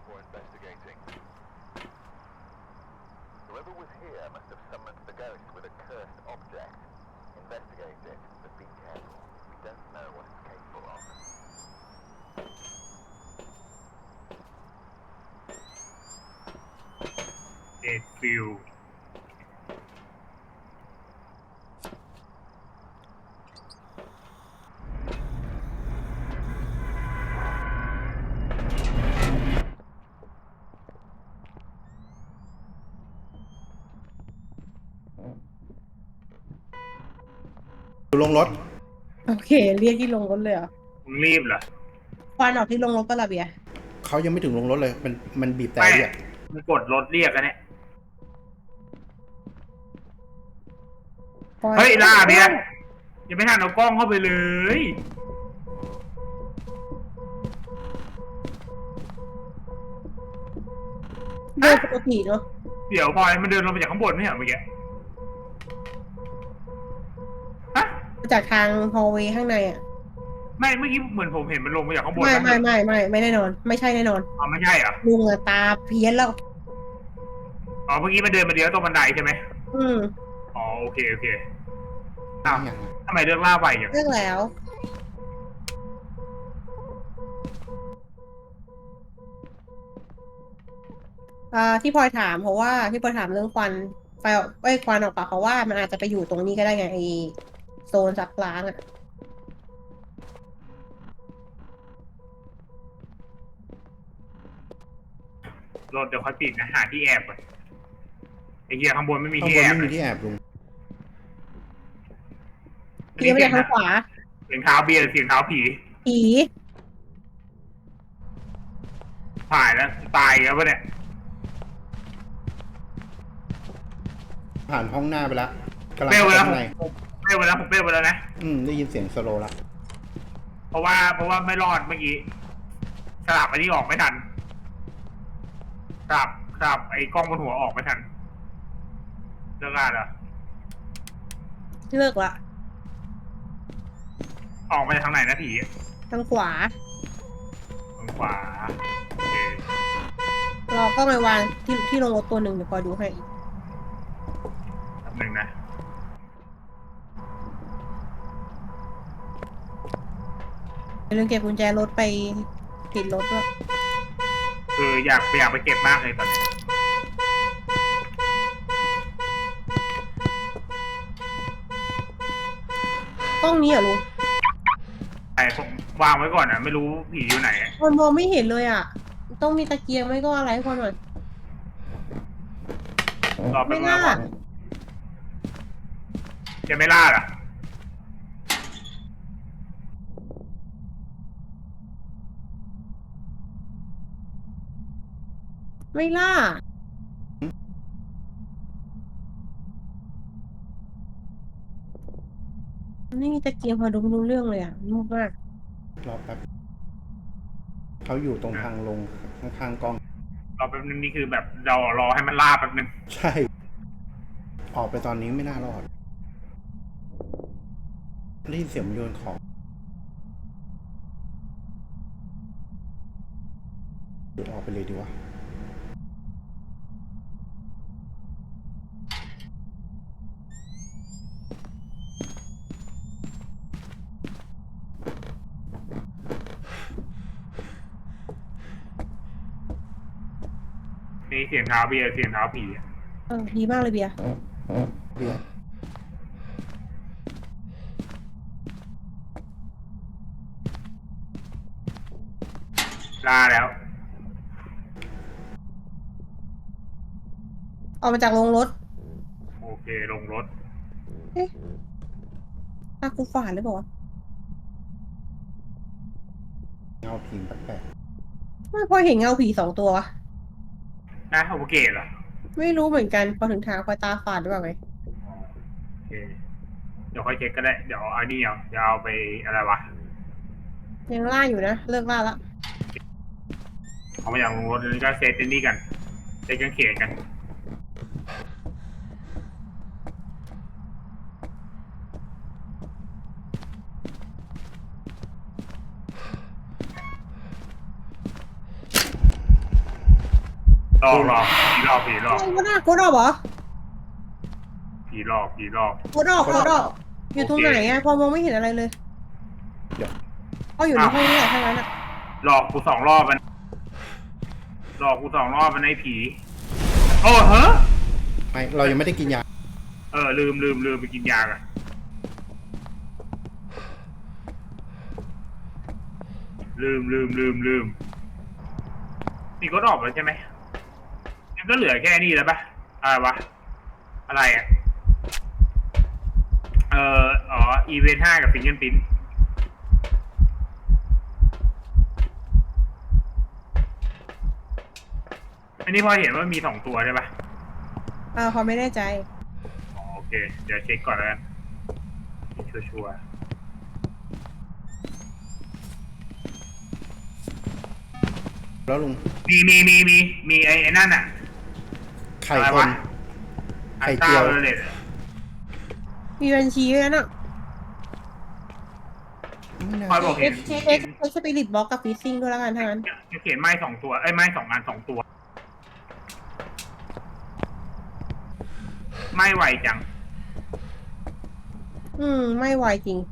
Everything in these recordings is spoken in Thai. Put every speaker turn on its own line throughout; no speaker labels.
before investigating. Whoever was here must have summoned the ghost with a cursed object. Investigate it, but be careful. We don't know what it's capable of.
ฟิล
อยู่ลงรถ
โอเค เรียกที่ลงรถเลยเหรอ
มึงรีบเหรอ
ควันออกที่ลงรถปะล่ะเบียร์
เขายังไม่ถึงลงรถเลย มันบีบแต่
ไม่
เรียก
มึงกดรถเรียกกันเนี่ยเฮ้ยล่าเบียร์ยังไม่ทันเอากล้องเข้าไปเลย
เดินปกติเนาะ
เดี๋ยวพลอยมันเดินลงมาจากข้างบนไม่เหรอเมื่อกี้ฮะ
จากทางฮอลเวย์ข้างในอ่ะ
ไม่เมื่อกี้เหมือนผมเห็นมันลงมาจากข้างบน
ไม่
นะ
ไม่แน่นอน ไม่ใช่แน่นอน
อ๋อไม่ใช่เหรอ
ลุงอะตาเพี้ยนแล้ว
อ๋อเมื่อกี้มันเดินมาเดียวตรงบันไดใช่ไหม
อืม
อ๋อโอเคอ้าวทำไมเลือกล่าไปอย่าง
เรื่องแล้วที่พลอยถามเพราะว่าที่พลอยถามเรื่องควันไฟควันออกปากเพราะว่ามันอาจจะไปอยู่ตรงนี้ก็ได้ไงไอโซนซักล้างอ่ะ
รถเดี๋ยวค่อยปิดนะหาที่แอบก่อนไอ้เหี้ยข้างบนไม่มี
ข้าง
ที่
บน
แอบ
ไม่มีที่แอบลุง
เพี้ยนไปจากทางขวา
เสียงเท้าเบียร์เสียงเท้าผี
ผี
ถ่ายแล้วตายแล้วปะเนี่ย
ผ่านห้องหน้าไปแล้วกำลัง
เปรี้ยวไป
เข้า
แล้ว
ข้างใน
ผมเปรี้ยวไปแล้วผมเปรี้ยวไปแล้วนะ
ได้ยินเสียงสโลว์ละ
เพราะว่าไม่รอดเมื่อกี้สลับอันนี้ออกไม่ทันครับไอ้กล้องบนหัวออกไม่ทันเลิกงานเหรอ
เลิกละ
ออกมาจากทางไหนนะผี
ทางขวา
ทางขวาโอเค
รอก็ไปวางที่ลงรถตัวหนึ่งเดี๋ยวคอยดูให้
แป๊บนึงนะ
อย่าลืมเก็บกุญแจรถไปติดรถด้วย
อยากไปเก็บมากเลยตอนนี้
ห้องนี้เหรอลุง
แต่ผมวางไว้ก่อนอ่ะไม่รู้ผีอยู่ไหนอะ
คนมองไม่เห็นเลยอ่ะ ต้องมีตะเกียงไม่ก็อะไรให้คนหน่อย
รอไป
ไม่
เมื่อ
น่า
ก่อนจะไม่ล่าเหรอ
ไม่ล่าไม่มีตะเกียงพอดูไม่รู้เรื่องเลยอ่ะมุกมาก
รอแป๊บเขาอยู่ตรงทางลงข้างๆกล้อง
รอแป๊บนึงนี่คือแบบเรารอให้มันล่าแป๊บนึง
ใช่ ออกไปตอนนี้ไม่น่ารอดได้ยินเสียงมันโยนของหรือออกไปเลยดีวะ
นี่เสียงเท้าเบียร์เสียงเท้าผีอะ
ดีมากเลยเบียร์
เบียร์
ล่าแล้ว
ออกมาจากโรงรถ
โอเคลงรถ
เอ๊ะตากูฝาดหรือเปล่าวะ
เงาพิงแปลก
ไม่พอเห็นเงาผี2 ตัววะ
นะโอเคเหรอ
ไม่รู้เหมือนกันพอถึงทางคอยตาฝาดหรือเปล่าไง
อ๋อโอเคเดี๋ยวค่อยเช็คก็ได้เดี๋ยวเอานี่เอาเดี๋ยวเอาไปอะไรวะ
ยังล่าอยู่นะ เลิกล่าละ
เอามาจากลงรถแล้วก็เซตไอ้นี่กันเซตกางเขนกันหลอกผีหลอก
อะไรวะน่ะโกดอกเหรอ
ผีหลอก
โกดอกอยู่ตรงไหนอะพอมองไม่เห็นอะไรเลย
เดี๋ยว
ก็อยู่ในห้องนี่แหละทั้งนั้นอะ
หลอกกู2 รอบมันไอ้ผี โอ้เฮ้อ
ไม่เรายังไม่ได้กินยา
ลืมไปกินยากันลืมนี่ก็ออกแล้วใช่ไหมมันก็เหลือแค่นี้แล้วปะอะไรวะอะไรอ่ะอีเวนต์5กับฟิงเกิลปิ้นอันนี้พอเห็นว่ามี2 ตัวใช่ปะ
พอไม่แน่ใจ
โอเคเดี๋ยวเช็คก่อนแล้วกันชัวร์
แล้วลุง
มีไอ้นั่นอ่ะ
ไข่
อะไร
ค
วะ
น ไข่
ไอ้
เจียว
เลย
มีบัญชีด้วยนะ
ไม่น่า
พอบอก
เอ็
เห็
ก
น
ซ์สปิริตบล็อกกับฟิซซิ่งด้วยแล้วกันทั้งนั้น
จะเขียนไม้2 ตัวไม้2 อัน 2 ตัวไม่ไหวจัง
ไม่ไหวจริง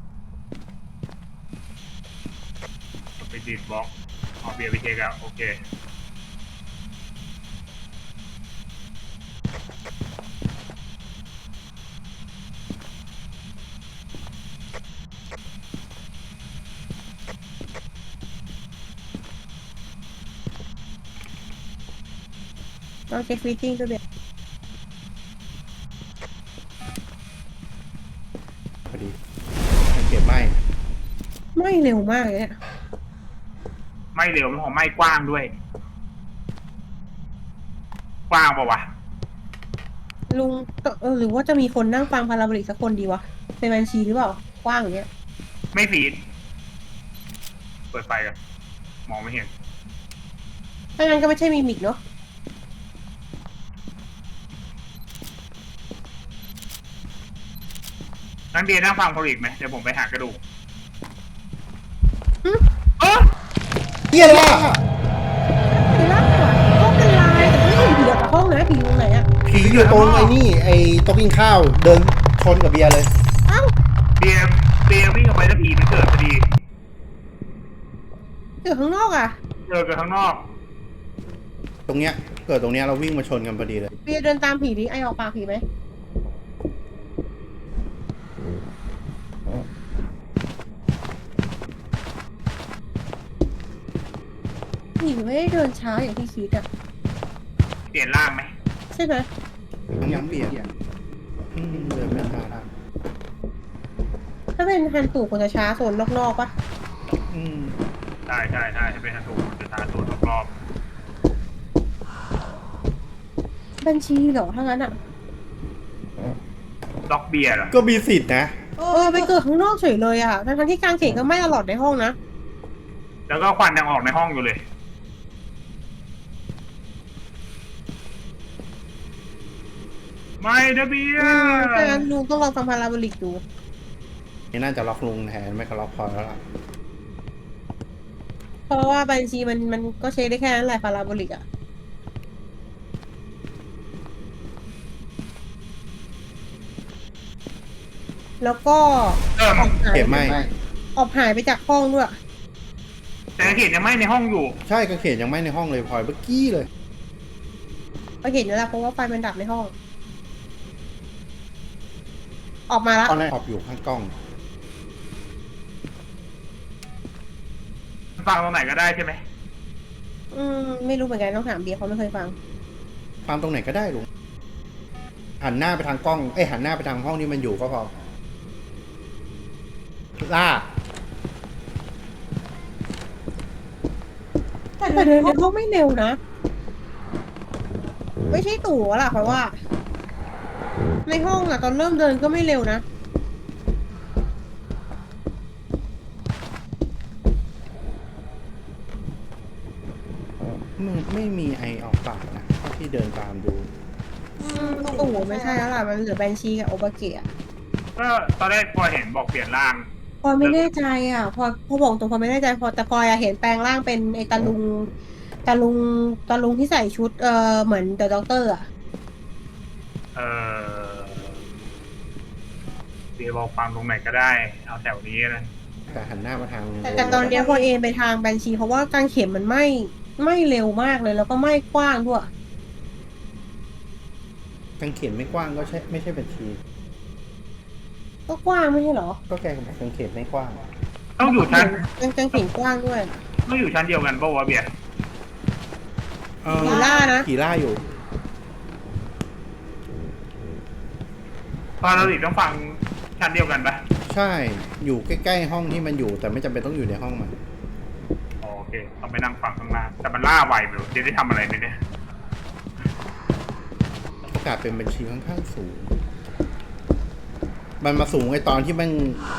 ไปดีดบล็อกเอาเบียร์ไปเช็คแล้วโอเค
เราเช็คฟิซซิ่งด้วยเบียร์
พอดีสังเกตไหม
ไม่เร็วมากเลยเนี่ย
ไม่เร็วไม่ของไม่กว้างด้วย กว้างปะวะ
ลุงหรือว่าจะมีคนนั่งฟังพาราโบลิกสักคนดีวะเป็นบัญชีหรือเปล่ากว้างอย่างเงี้ย
ไม่ฟีดเปิดไฟกันมองไม่เห็น
ถ้างั้นก็ไม่ใช่มิมิกเนาะ
งั้นเบียร์นั่งฟังโพลิกไหมเดี๋ยวผมไปหากระดูก
หึ
เออ
เฮียล่ะ
ผีล่าห้องเป็นลายแต่ไม่เห็นผีออกจากห้องนะผีอยู่ตรงไหนอะ
ผีอยู่ตรงไอ้นี่ไอ้โต๊ะกินข้าวเดินชนกับเบียร์เลย
เอ้า
เบียร์วิ่งออกไปแล้วผีมันเกิดพอดี
อยู่ข้างนอกอะ
เจอกันข้างนอก
ตรงเนี้ยเกิดตรงเนี้ยเราวิ่งมาชนกันพอดีเลย
เบียร์เดินตามผีดิไอออกปากผีไหมผีไม่ได้เดินช้าอย่างที่คิดอะ
เปลี่ยนร่างไหม
ใช่ไหม
ยังเปลี่ยนเดินไม่ทัน
ถ้าเป็นฮันตู่ควรจะช้าโซนนอกๆปะ
อืม
ใช่จะเป็นฮันตูจะตาตัวรอบ
บัญชีเหรอถ้างั้นอะ
ล็อกเบียร์เหรอ
ก็มีสิทธิ์นะ
ไปเกิดข้างนอกเฉยเลยอะทั้งที่กางเขนก็ไม่ตลอดในห้องนะ
แล้วก็ควันยังออกในห้องอยู่เลย ไม่นะเบียร์
ถ้างั้นลุงต้องลองฟังพาราโบลิกดู
นี่น่าจะล็อกลุงแทนไม่ก็ล็อกพลอยแล้วล่ะ
เพราะว่าบัญชีมันก็เช็คได้แค่นั้นแหละพาราโบลิกอะแล้วก็
เออ
ออกหาย
เก็บไหม
ออกหายไปจากห้องด้วย
แต่เห็นยังไม่ในห้องอยู่
ใช่กระเขนยังไม่ในห้องเลยพลอยเมื่อกี้เลย
ก็เห็นแล้วแหละเพราะว่าไฟมันดับในห้อง ออกมาละ
ตอนแรกขอบอยู่ข้างกล้อง
ฟังตรงไหนก็ได้ใช่ไหม
ไม่รู้เหมือนกันต้องถามเบียร์เขาไม่เคยฟัง
ฟังตรงไหนก็ได้ลุงหันหน้าไปทางกล้องหันหน้าไปทางห้องที่มันอยู่ก็พอล่า
แต่เดินในห้องไม่เร็วนะ ไม่ใช่ตู่ล่ะเพราะว่า ในห้องอะตอนเริ่มเดินก็ไม่เร็วนะ
ไม่มีไอออกปากนะเท่าที่เดินตามดู
ตู่ไม่ใช่แล้วล่ะมันเหลือแบนชีกับโอบาเกะ
ก็ตอนแรกพอเห็นบอกเปลี่ยนร่าง
พอไม่แน่ใจอ่ะพอบอกตรงพอไม่แน่ใจแต่พอเห็นแปลงร่างเป็นไอตาลุงแต่ลุงที่ใส่ชุดเหมือนเดอะด็อกเตอร์อ่ะ
เออเบียร์บอกฟังตรงไหนก็ได้เอาแถวนี้นะ
แต่หันหน้ามาทาง
แต่ตอนเนี้ยพอเอ็นไปทางแบนชีเพราะว่ากางเข็มมันไม่เร็วมากเลย แล้วก็ไม่กว้างด้วย
กางเขนไม่กว้างก็ใช่ไม่ใช่บัญชี
ก็กว้างไม่ใช่เหรอ
ก็แกบอกกางเขนไม่กว้าง
ต้องอยู่ชั้น
กางเข็มกว้างด้วย
ต้องอยู่ชั้นเดียวกันป่าววะเบียร์
ผีล่านะ
ผีล่าอยู่
พอเราติต้องฟังชั้นเดียวกันปะ
ใช่อยู่ใกล้ๆห้องที่มันอยู่ แต่ไม่จำเป็นต้องอยู่ในห้องมัน
อ๋อโอเคต้องไปนั่งฟังข้างล่างแต่มันล่าไวไปหรอจะได้ทำอะไรไหมเนี่ย
โอกาสเป็นบัญชีค่อนข้างสูง มันมาสูงไอตอนที่มัน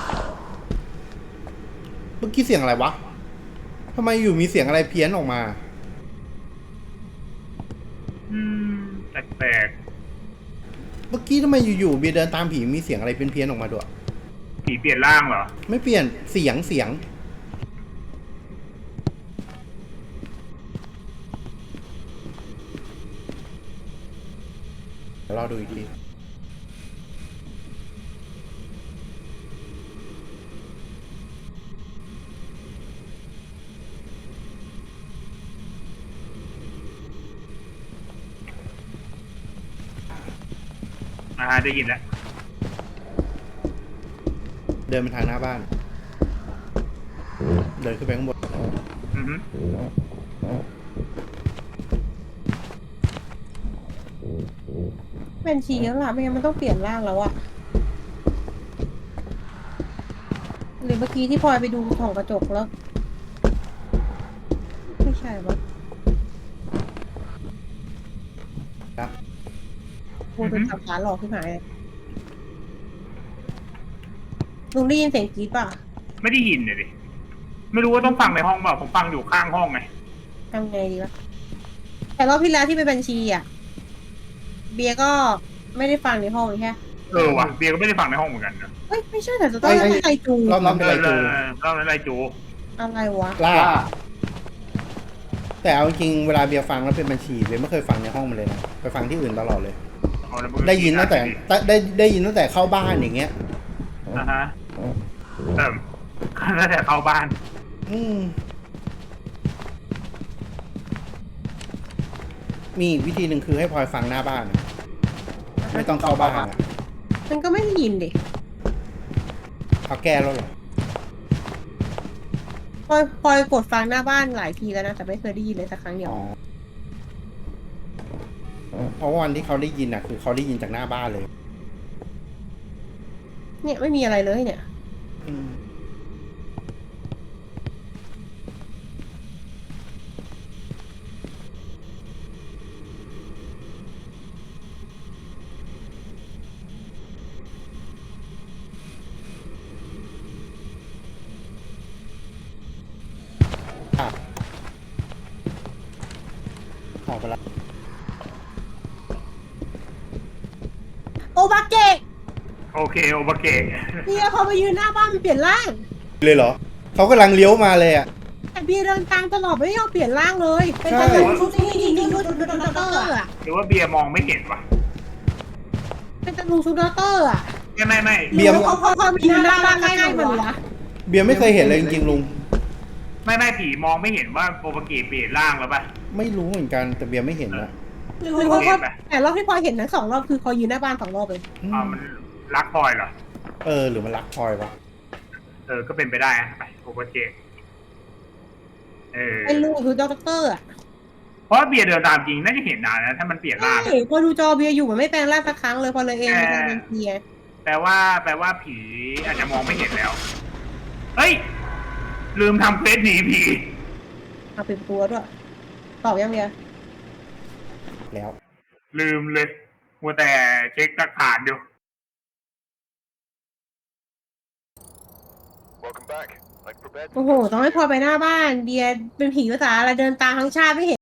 เมื่อกี้เสียงอะไรวะทำไมอยู่มีเสียงอะไรเพี้ยนออกมา
อืมแปลก
เมื่อกี้ทำไมอยู่ๆเบียร์เดินตามผีมีเสียงอะไรเพี้ยนๆออกมาด้วย
ๆผีเปลี่ยนร่างเหรอ
ไม่เปลี่ยนเสียงเดี๋ยวรอดูอีกที
ได้ยินแล้ว
เดินไปทางหน้าบ้าน เดินขึ้นไปข้างบน
อือฮึ
แบนชีแล้วล่ะไม่งั้นมันต้องเปลี่ยนร่างแล้วอะหรือเมื่อกี้ที่พลอยไปดูส่องกระจกแล้ว ไม่ใช่ปะ
ครับ
โอ้โดนสับขาหลอกขึ้นหายเลยลุงได้ยินเสียงกรี๊ดป่ะ
ไม่ได้ยินเลยดิไม่รู้ว่าต้องฟังในห้องเปล่าผมฟังอยู่ข้างห้องไง
ทำไงดีวะแต่รอบที่แล้วที่เป็นบัญชีอ่ะ เบียร์ก็ไม่ได้ฟังในห้องใช่ไหม
ว่ะเบียร์ก็ไม่ได้ฟังในห้องเหมือนกันนะ
เฮ้ยไม่ใช่แต่จะต้องเป็นไอจู
รอบนั้นเป็นไรจู
เล่าอะไรจู
อะไรวะ
ล่า แต่เอาจริงๆเวลาเบียร์ฟังแล้วเป็นบัญชีเบียร์ไม่เคยฟังในห้องมันเลยนะไปฟังที่อื่นตลอดเลย
เอาแล้วมึง
ได้ยินตั้งแต่ได้ยินตั้งแต่เข้าบ้านอย่างเงี้ย
อ่าฮะเติมตั้งแต่เข้าบ้าน
อืมมีอีกวิธีหนึ่งคือให้พลอยฟังหน้าบ้านอะไม่ต้องเข้าบ้านอะ
มันก็ไม่ได้ยินดิ
เอาแก้แล้วเหรอ
พลอยกดฟังหน้าบ้านหลายทีแล้วนะแต่ไม่เคยได้ยินเลยสักครั้งเดียว
อ๋อเพราะว่าวันที่เขาได้ยินอ่ะ คือเขาได้ยินจากหน้าบ้านเลย
เนี่ยไม่มีอะไรเลยเนี่ย
อืมอ่ะออกไปแล้ว
โอบาเกะ
โอเคโอเบเกะ
เบียร์พอไปยืนหน้าบ้านมันเปลี่ยนร่าง
เลยเหรอ เขากำลังเลี้ยวมาเลยอ่ะ
แต่เบียร์เดินตามตลอดไม่ยอมเปลี่ยนร่างเลย เป็น
ใช่
แต่ชุดที่ยิงชุดด็อกเตอร์อะ
หรือว่าเบียร์มองไม่เห็นวะ
เป็นแต่ลุงชุดด็อกเตอร์อะ
ไม่
เบียร์
เขายืนหน้าบ้านใกล้ๆมันวะ
เบียร์ไม่เคยเห็นเลยจริงๆลุง
ไม่ผีมองไม่เห็นว่าโอเบเกะเปลี่ยนร่างแล้วปะ
ไม่รู้เหมือนกันแต่เบียร์ไม่เห็นอะ
หรือว่าเขาแต่รอบที่พลอยเห็นทั้ง2 รอบคือเขายืนหน้าบ้าน2 รอบเลย
มันรักพลอยเหรอ
หรือมันรักพลอยวะ
ก็เป็นไปได้อะไปโอเบเกะ
เป็นลุงชุดด็อกเตอร์อะ
เพราะเบียร์เดินตามจริงน่าจะเห็นนานนะถ้ามันเปลี่ยนร่าง
ใช่พอดูจอเบียร์อยู่มันไม่แปลงร่างสักครั้งเลยพอเลยเองเป็นเบียร์
แปลว่าผีอาจจะมองไม่เห็นแล้ว เฮ้ย ลืมทำเควสหนีผี
เอาเป็นตัวด้วยตอบยังเบียร์
แล้ว
ลืมเลยมัวแต่เช็คหลักฐานอยู่
Welcome back. I've prepared
โอ้โหต้องให้พลอยไปหน้าบ้านเบียร์เป็นผีภาษาอะไรเดินตามทั้งชาติไม่เห็น